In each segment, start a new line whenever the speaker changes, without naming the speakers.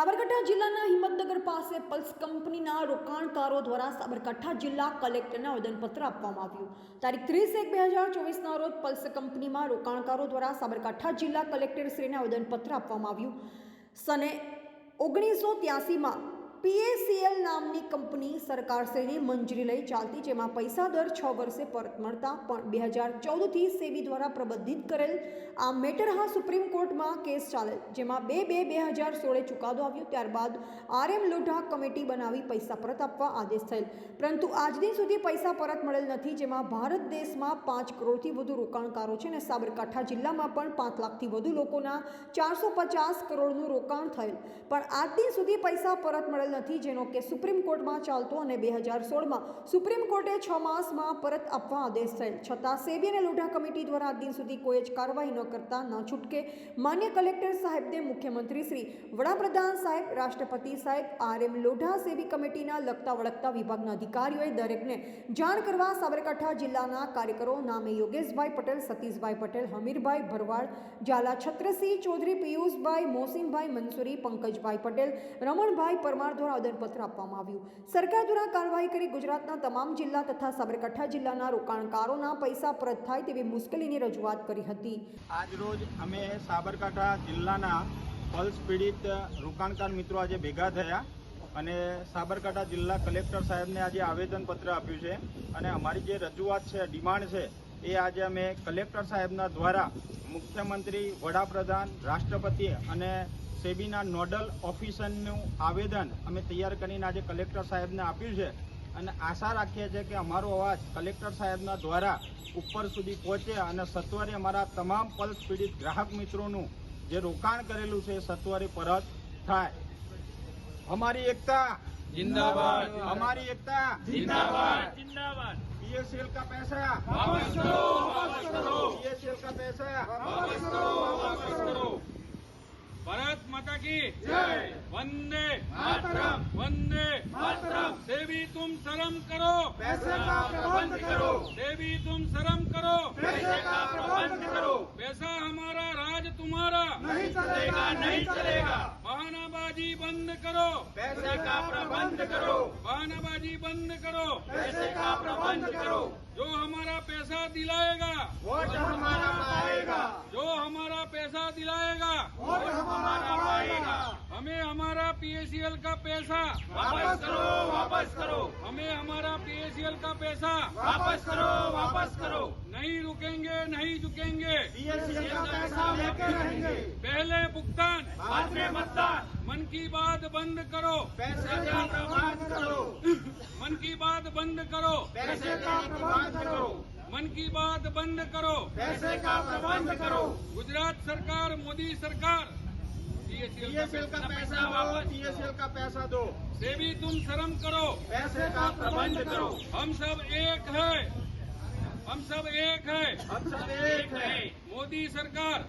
સાબરકાંઠા જિલ્લાના હિંમતનગર પાસે પલ્સ કંપનીના રોકાણકારો દ્વારા સાબરકાંઠા જિલ્લા કલેક્ટરને આવેદનપત્ર આપવામાં આવ્યું. તારીખ 30/1/2024ના રોજ પલ્સ કંપનીમાં રોકાણકારો દ્વારા સાબરકાંઠા જિલ્લા કલેક્ટરશ્રીને આવેદનપત્ર આપવામાં આવ્યું. સને 1983માં PACL નામની કંપની સરકારશ્રીની મંજૂરી લઈ ચાલતી, જેમાં પૈસા દર 6 વર્ષે પરત મળતા, પણ 2014થી સેબી દ્વારા પ્રબંધિત કરેલ આ મેટર હા સુપ્રીમ કોર્ટમાં કેસ ચાલેલ, જેમાં 2/2/2016 ચુકાદો આવ્યો. ત્યારબાદ RM લોઢા કમિટી બનાવી પૈસા પરત આપવા આદેશ થયેલ, પરંતુ આજ દિન સુધી પૈસા પરત મળેલ નથી. જેમાં ભારત દેશમાં 5 કરોડથી વધુ રોકાણકારો છે અને સાબરકાંઠા જિલ્લામાં પણ 5 લાખથી વધુ લોકોના 450 કરોડનું રોકાણ થયેલ, પણ આજ દિન સુધી પૈસા પરત મળેલ નથી, જેનો કે સુપ્રીમ કોર્ટમાં ચાલતો અને 2016માં સુપ્રીમ કોર્ટે 6 માસમાં પરત આપવા આદેશ થયેલ. છતાં સેબી અને લોઢા કમિટી દ્વારા આજ દિન સુધી કોઈ જ કાર્યવાહી ન કરતા ન છૂટકે માન્ય કલેક્ટર સાહેબને મુખ્યમંત્રી શ્રી, વડાપ્રધાન સાહેબ, રાષ્ટ્રપતિ સાહેબ, RM લોઢા, સેબી કમિટીના લગતા વળગતા વિભાગના અધિકારીઓએ દરેકને જાણ કરવા સાબરકાંઠા જિલ્લાના કાર્યકરો નામે યોગેશભાઈ પટેલ, સતીશભાઈ પટેલ, હમીરભાઈ ભરવાડ, ઝાલા છત્રસિંહ ચૌધરી, પિયુષભાઈ, મોસીનભાઈ મંસૂરી, પંકજભાઈ પટેલ, રમણભાઈ પરમાર દ્વારા આવેદનપત્ર આપવામાં આવ્યું. સરકાર દ્વારા કાર્યવાહી કરી ગુજરાતના તમામ જિલ્લા તથા સાબરકાંઠા જિલ્લાના રોકાણકારોના પૈસા પરત થાય તેવી મુશ્કેલીની રજૂઆત કરી હતી.
આજ રોજ અમે સાબરકાંઠા જિલ્લાના પલ્સ પીડિત રોકાણકાર મિત્રો આજે ભેગા થયા અને સાબરકાંઠા જિલ્લા કલેક્ટર સાહેબને આજે આવેદનપત્ર આપ્યું છે અને અમારી જે રજૂઆત છે, ડિમાન્ડ છે, એ આજે અમે કલેક્ટર સાહેબના દ્વારા મુખ્યમંત્રી, વડાપ્રધાન, રાષ્ટ્રપતિ અને સેબીના નોડલ ઓફિસરનું આવેદન અમે તૈયાર કરીને આજે કલેક્ટર સાહેબને આપ્યું છે અને આશા રાખીએ છીએ કે અમારો અવાજ કલેક્ટર સાહેબના દ્વારા ઉપર સુધી પહોંચે અને સત્વરે અમારા તમામ પલ્સ પીડિત ગ્રાહક મિત્રોનું જે રોકાણ કરેલું છે એ સત્વરે પરત થાય. અમારી એકતા जिंदाबाद, हमारी एकता जिंदाबाद, जिंदाबाद. PACL का पैसा वापस करो, वापस करो. PACL का पैसा वापस करो, वापस करो.
भारत माता की
जय.
वंदे
मातरम,
वंदे
मातरम.
सेबी तुम शर्म करो,
पैसे का प्रबंध करो.
सेबी तुम शर्म करो,
पैसे का प्रबंध करो.
पैसा हमारा, राज तुम्हारा,
नहीं चलेगा, नहीं चलेगा.
बहानाबाजी बंद करो,
पैसे का प्रबंध करो.
बहानाबाजी बंद करो.
पैसे का प्रबंध करो.
जो हमारा पैसा दिलाएगा,
वोट हमारा पाएगा.
जो हमारा पैसा दिलाएगा,
वोट हमारा पाएगा.
हमें हमारा PACL का पैसा
वापस करो, वापस करो.
हमें हमारा PACL का पैसा
वापस करो, वापस करो.
नहीं रुकेंगे, नहीं झुकेंगे.
PACL का पैसा लेके रहेंगे.
पहले भुगतान,
बाद में मतदान.
मन की बात बंद करो,
पैसे का प्रबंध करो.
मन की बात बंद करो,
पैसे का प्रबंध करो.
मन की बात बंद करो.
पैसे का प्रबंध करो.
गुजरात सरकार, मोदी सरकार,
PACL का पैसा वापस. PACL का पैसा दो.
सेबी तुम शर्म करो.
पैसे का प्रबंध करो.
हम सब एक है, हम सब एक है.
हम सब एक है.
मोदी सरकार,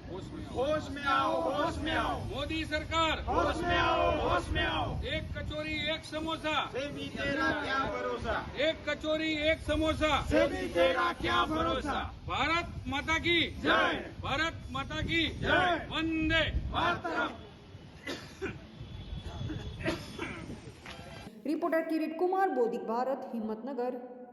होश में आओ, होश में आओ.
मोदी सरकार,
होश में आओ, होश में आओ.
एक कचोरी एक समोसा,
सेबी तेरा क्या भरोसा.
एक कचोरी एक समोसा.
सेबी तेरा क्या भरोसा.
भारत माता की
जय.
भारत माता की
जय.
वंदे
मातरम.
रिपोर्टर किरीट कुमार, बोधिक भारत, हिम्मतनगर.